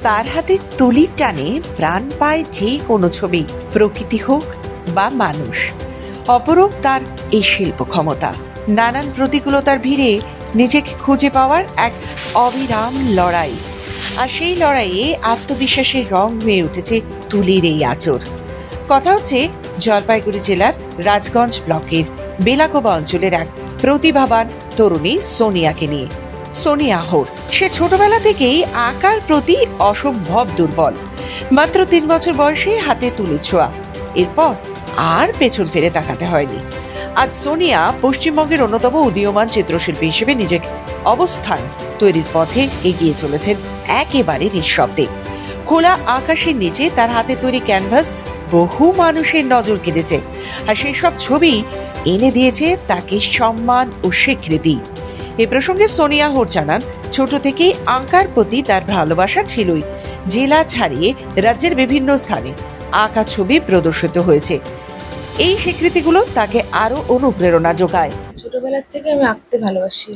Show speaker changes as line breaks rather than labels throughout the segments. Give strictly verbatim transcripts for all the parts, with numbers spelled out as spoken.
তার হাতে তুলির টানে প্রাণ পায় যে কোনো ছবি, প্রকৃতি হোক বা মানুষ। অপরূপ তার এই শিল্প ক্ষমতা। নানান প্রতিকূলতার ভিড়ে নিজেকে খুঁজে পাওয়ার এক অবিরাম লড়াই, আর সেই লড়াইয়ে আত্মবিশ্বাসের রং হয়ে উঠেছে তুলির এই আঁচড়। কথা হচ্ছে জলপাইগুড়ি জেলার রাজগঞ্জ ব্লকের বেলাকোবা অঞ্চলের এক প্রতিভাবান তরুণী সোনিয়াকে নিয়ে। সোনিয়া হোর সে ছোটবেলা থেকেই আঁকার প্রতি অসম্ভব দুর্বল। মাত্র তিন বছর বয়সে হাতে তুলি ছোঁয়া, এরপর আর পেছন ফিরে তাকাতে হয়নি। আজ সোনিয়া পশ্চিমবঙ্গের অন্যতম উদীয়মান চিত্রশিল্পী হিসেবে নিজের অবস্থান তৈরির পথে এগিয়ে চলেছেন একেবারে নিঃশব্দে। খোলা আকাশের নিচে তার হাতে তৈরি ক্যানভাস বহু মানুষের নজর কেড়েছে, আর সেই সব ছবি এনে দিয়েছে তাকে সম্মান ও স্বীকৃতি। এ প্রসঙ্গে সোনিয়া হোর জানান, ছোট থেকেই আঁকার প্রতি তার ভালোবাসা ছিলই। জেলা ছাড়িয়ে রাজ্যের বিভিন্ন স্থানে আঁকা ছবি প্রদর্শিত হয়েছে। এই স্বীকৃতিগুলো তাকে আরো অনুপ্রেরণা যোগায়।
ছোটবেলার থেকে আমি আঁকতে ভালোবাসি।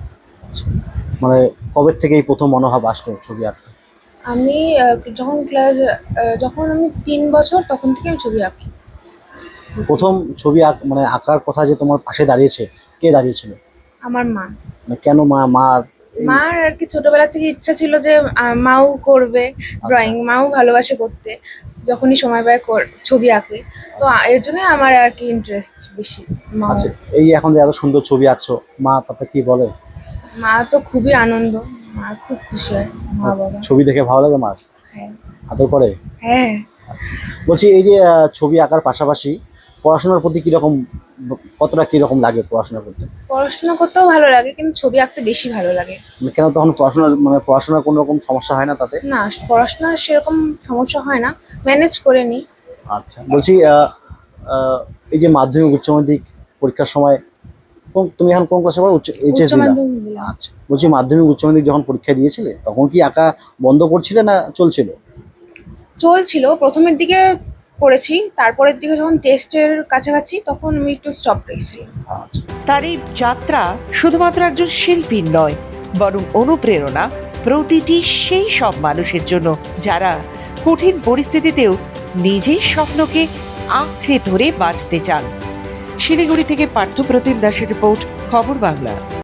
মানে কবে থেকে এই প্রথম মনোভাব আসলো ছবি আঁকতে?
আমি আহ, যখন ক্লাস যখন আমি তিন বছর তখন থেকে আমি ছবি আঁকি।
প্রথম ছবি আঁক মানে আঁকার কথা যে তোমার পাশে দাঁড়িয়েছে, কে দাঁড়িয়েছিল?
আমার মা
মানে কেন মা মার
মার আর কি ছোটবেলা থেকে ইচ্ছা ছিল যে আহ, মাও করবে ড্রয়িং, মাও ভালোবাসে করতে, যখনই সময় পায় কর- ছবি আঁকে। তো আ- এর জন্য আমার আর কি ইন্টারেস্ট বেশি। মা
আচ্ছা, এই এখন যে এত সুন্দর ছবি আঁকছো, মা তাতে কি বলে?
মা তো খুবই আনন্দ, মা খুব খুশি হয়, মা বাবা।
ছবি দেখে ভালো লাগে মার?
হ্যাঁ
আদর করে?
হ্যাঁ।
বলছি এই যে আহ, ছবি আঁকার পাশাপাশি পড়াশোনার প্রতি কিরকম, কতটা কিরকম লাগে পড়াশোনা করতে?
পড়াশোনা করতেও ভালো লাগে, কিন্তু ছবি আঁকতে বেশি ভালো লাগে।
মানে কেন তখন পড়াশোনা মানে পড়াশোনার কোনো রকম সমস্যা হয় না তাতে?
না, পড়াশোনার সেরকম সমস্যা হয় না, ম্যানেজ করে নিই।
আচ্ছা, বলছি আহ, আহ, এই যে মাধ্যমিক উচ্চ মাধ্যমিক পরীক্ষার সময় কোন- তুমি এখন কোন ক্লাসে পড়ো? উচ্চ এইচএস
উচ্চ
দিলা?
মাধ্যমিক দিলাম।
আচ্ছা, বলছি মাধ্যমিক উচ্চ মাধ্যমিক যখন পরীক্ষা দিয়েছিলে তখন কি আঁকা বন্ধ করছিলে না চলছিল?
চলছিল, প্রথমের দিকে করেছি, তারপরের দিকে যখন টেস্টের কাছাকাছি তখন আমি একটু স্টপ রেখেছিলাম।
আচ্ছা,
তার এই যাত্রা শুধুমাত্র একজন শিল্পীর নয়, বরং অনুপ্রেরণা প্রতিটি সেই সব মানুষের জন্য যারা কঠিন পরিস্থিতিতেও নিজের স্বপ্নকে আঁকড়ে ধরে বাঁচতে চান। শিলিগুড়ি থেকে পার্থপ্রতিম দাসের রিপোর্ট, খবর বাংলা।